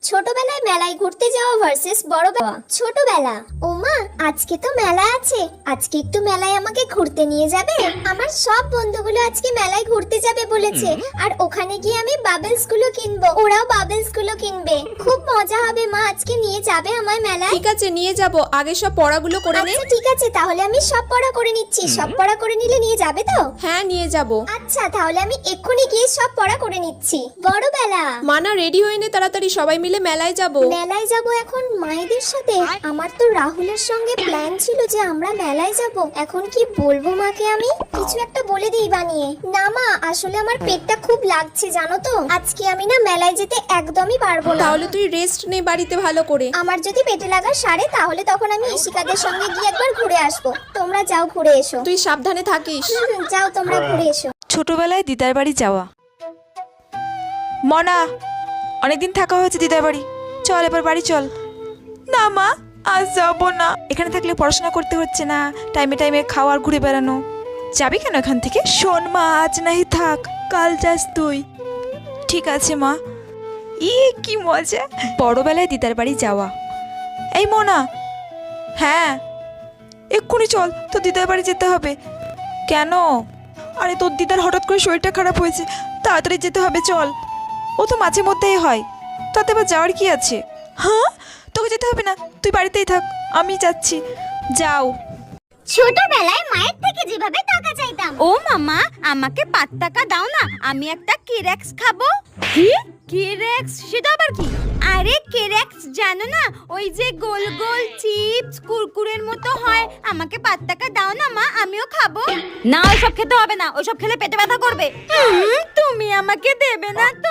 ছোটবেলায় মেলায় ঘুরতে যাওয়া ভার্সেস বড়বেলা। ছোটবেলা, ওমা আজকে তো মেলা আছে, আজকে একটু মেলায় আমাকে ঘুরতে নিয়ে যাবে? আমার সব বন্ধুগুলো আজকে মেলায় ঘুরতে যাবে বলেছে, আর ওখানে গিয়ে আমি বাবলস গুলো কিনবো, ওরাও বাবলস গুলো কিনবে। খুব মজা হবে মা, আজকে নিয়ে যাবে আমায় মেলায়? ঠিক আছে নিয়ে যাব, আগে সব পড়াগুলো করে নে। আচ্ছা ঠিক আছে, তাহলে আমি সব পড়া করে নিচ্ছি। সব পড়া করে নিলে নিয়ে যাবে তো? হ্যাঁ নিয়ে যাব। আচ্ছা তাহলে আমি এক্ষুনি গিয়ে সব পড়া করে নিচ্ছি। বড়বেলা, মানা রেডি হয়ে নে তাড়াতাড়ি, সবাই মিলে মেলায় যাব। মেলায় যাব এখন মায়েদের সাথে? আমার তো রাহুলের সঙ্গে প্ল্যান ছিল যে আমরা মেলায় যাব। এখন কি বলবো মাকে? আমি কিছু একটা বলে দিই বানিয়ে। না মা, আসলে আমার পেটটা খুব লাগছে জানো তো, আজকে আমি না মেলায় যেতে একদমই পারবো না। তাহলে তুই রেস্ট নে বাড়িতে ভালো করে। আমার যদি পেটে লাগা সারে তাহলে তখন আমি ইশিকাদের সঙ্গে গিয়ে একবার ঘুরে আসবো। তোমরা যাও ঘুরে এসো। তুই সাবধানে থাকিস। যাও তোমরা ঘুরে এসো। ছোটবেলায় দিদার বাড়ি যাওয়া। মনা, অনেকদিন থাকা হয়েছে দিদার বাড়ি, চল এবার বাড়ি চল। না মা, আজ যাবো না, এখানে থাকলে পড়াশোনা করতে হচ্ছে না, টাইমে টাইমে খাওয়া আর ঘুরে বেড়ানো। যাবি কেন এখান থেকে? শোন মা, আজ নাহি থাক, কাল যাস তুই। ঠিক আছে মা। কি মজা বড়বেলায় দিদার বাড়ি যাওয়া। এই মনা, হ্যাঁ এক্ষুনি চল, তো দিদার বাড়ি যেতে হবে। কেন? আরে তোর দিদার হঠাৎ করে শরীরটা খারাপ হয়েছে, তাড়াতাড়ি যেতে হবে, চল। ও তো মাঝে মধ্যেই হয়, তাতে আবার যাওয়ার কি আছে? হ্যাঁ, তোকে যেতে হবে না, তুই বাড়িতেই থাক, আমি যাচ্ছি। যাও। ছোটবেলায় মায়ের থেকে যেভাবে টাকা চাইতাম। ও মামা, আমাকে 5 টাকা দাও না, আমি একটা কেরেক্স খাবো। কি কেরেক্স? সেটা আবার কি? আরে কেরেক্স জানো না, ওই যে গোল গোল চিপস কুরকুরের মতো হয়। আমাকে 5 টাকা দাও না মা, আমিও খাবো। না ওইসব খেতে হবে না, ওইসব খেলে পেটে ব্যথা করবে। তুমি আমাকে দেবে না তো?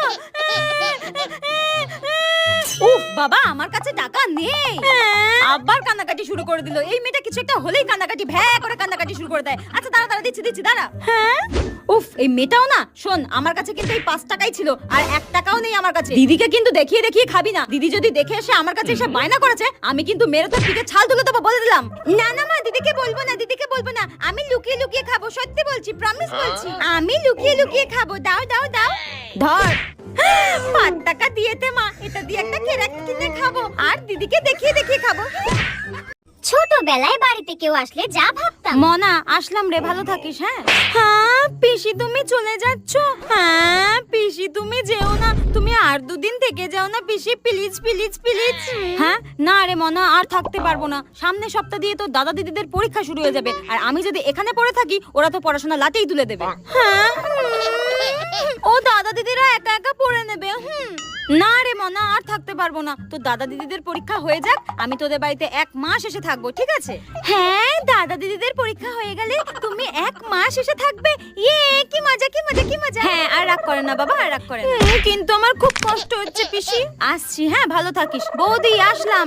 উফ বাবা, আমার কাছে টাকা নেই। আবার কান্নাকাটি শুরু করে দিল। এই মেয়েটা কিছু একটা হলেই কান্নাকাটি, ভ্যা করে কান্নাকাটি শুরু করে দেয়। আচ্ছা দাঁড়া দাঁড়া, দিচ্ছি দাঁড়া। হ্যাঁ উফ, এই মেয়েটাও না। শোন, আমার কাছে কিন্তু এই 5 টাকাই ছিল, আর 1 টাকাও নেই আমার কাছে। দিদিকে কিন্তু দেখিয়ে দেখিয়ে খাবি না। দিদি যদি দেখে এসে আমার কাছে এসে বায়না করেছে, আমি কিন্তু মেরে তোর পিঠে ছাল তুলে দেবো, বলে দিলাম। না না মা, দিদিকে বলবো না, দিদিকে বলবো না। আমি লুকিয়ে লুকিয়ে খাবো, সত্যি বলছি, প্রমিস বলছি। আমি লুকিয়ে লুকিয়ে খাবো। দাও দাও দাও, ধর। 5 টাকা দিয়েতে মা, এটা দিয়ে একটা কেরাক কিনে খাবো, আর দিদিকে দেখিয়ে দেখিয়ে খাবো। ছোটবেলায় বাড়িতে কেউ আসলে যা ভাবতাম। মনা, আসলাম রে, ভালো থাকিস। হ্যাঁ হ্যাঁ পিসি, তুমি চলে যাচ্ছ? হ্যাঁ পিসি, তুমি যেও না, তুমি আর 2 দিন থেকে যাও না পিসি, প্লিজ প্লিজ প্লিজ। হ্যাঁ না রে মনা, আর থাকতে পারবো না। সামনের সপ্তাহ দিয়ে তো দাদা দিদিদের পরীক্ষা শুরু হয়ে যাবে, আর আমি যদি এখানে পড়ে থাকি, ওরা তো পড়াশোনা লাটেই তুলে দেবে। হ্যাঁ ও দাদা দিদিরা একা একা পড়ে নেবে। না রে মনা, আর থাকতে পারবো না। তো দাদা দিদিদের পরীক্ষা হয়ে যাক, আমি তোদের বাড়িতে 1 মাস এসে থাকবো, ঠিক আছে? হ্যাঁ, দাদা দিদিদের পরীক্ষা হয়ে গেলে তুমি 1 মাস এসে থাকবে। ইয়ে কি মজা কি মজা কি মজা। হ্যাঁ, আর রাগ করে না বাবা, আর রাগ করে না। কিন্তু আমার খুব কষ্ট হচ্ছে পিসি। আসছি, হ্যাঁ ভালো থাকিস। বৌদি আসলাম।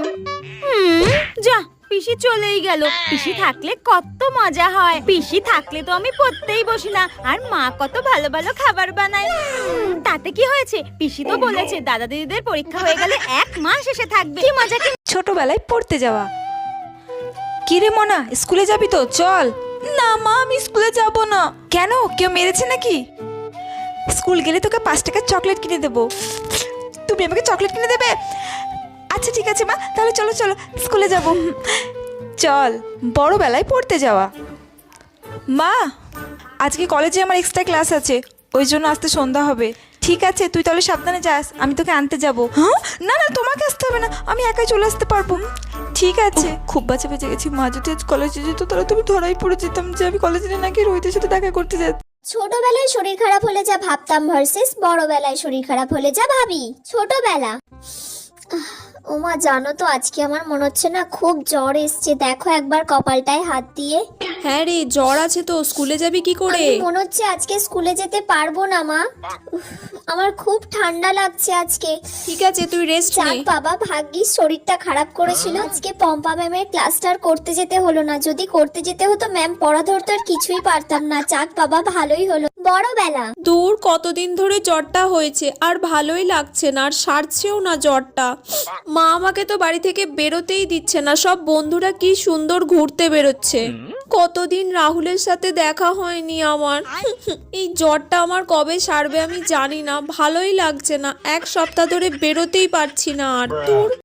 যা, পিসি চলেই গেল। পিসি থাকলে কত মজা হয়। পিসি থাকলে তো আমি পড়তেই বসি না, আর মা কত ভালো ভালো খাবার বানায়। তাতে কি হয়েছে? পিসি তো বলেছে দাদা দিদিদের পরীক্ষা হয়ে গেলে 1 মাস এসে থাকবে। কি মজা কি। ছোটবেলায় পড়তে যাওয়া। কি রে মনা, স্কুলে যাবি তো? চল। না মা, আমি স্কুলে যাব না। কেন, কেউ মেরেছে নাকি? স্কুল গেলে তোকে 5 টাকার চকলেট কিনে দেবো। তুমি আমাকে চকলেট কিনে দেবে? আচ্ছা ঠিক আছে মা, তাহলে চলো চলো স্কুলে যাব। চল। বড়বেলায় পড়তে যাওয়া। মা, আজকে কলেজে আমার এক্সট্রা ক্লাস আছে, ওই জন্য আসতে সন্ধ্যা হবে। ঠিক আছে, তুই তাহলে সাবধানে যাস, আমি তোকে আনতে যাব। হ্যাঁ না না, তোমাকে আসতে হবে না, আমি একাই চলে আসতে পারবো। ঠিক আছে। খুব বাঁচা বেঁচে গেছি। মা যদি আজ কলেজে যেত তাহলে তুমি ধরাই পড়ে যেতাম যে আমি কলেজে নাকি রোহিতের সাথে দেখা করতে যাচ্ছি। ছোটবেলায় শরীর খারাপ হলে যা ভাবতাম ভার্সেস বড়বেলায় শরীর খারাপ হলে যা ভাবি। ছোটবেলা, ওমা জানো তো আজকে আমার মনে হচ্ছে না খুব জ্বর এসছে। দেখো একবার কপালটায় হাত দিয়ে। হ্যাঁ রে, জ্বর আছে তো, স্কুলে যাবি কি করে? আমি মনে হচ্ছে আজকে স্কুলে যেতে পারবো না মা। আমার খুব ঠান্ডা লাগছে আজকে। ঠিক আছে, তুই রেস্ট নে। যাক বাবা, ভাগ্যিস শরীরটা খারাপ করেছিল। আজকে পম্পা ম্যামের ক্লাসটা আর করতে যেতে হলো না। যদি করতে যেতে হতো ম্যাম পড়া ধরতে আর কিছুই পারতাম না। যাক বাবা, ভালোই হলো। বড়বেলা, দূর, কতদিন ধরে জ্বরটা হয়েছে, আর ভালোই লাগছে না, আর সারছেও না জ্বরটা। মা আমাকে তো বাড়ি থেকে বেরোতেই দিচ্ছে না। সব বন্ধুরা কি সুন্দর ঘুরতে বেরোচ্ছে। কতদিন রাহুলের সাথে দেখা হয়নি আমার। এই জ্বরটা আমার কবে সারবে আমি জানি না, ভালোই লাগছে না, এক সপ্তাহ ধরে বেরোতেই পারছি না আর। তোর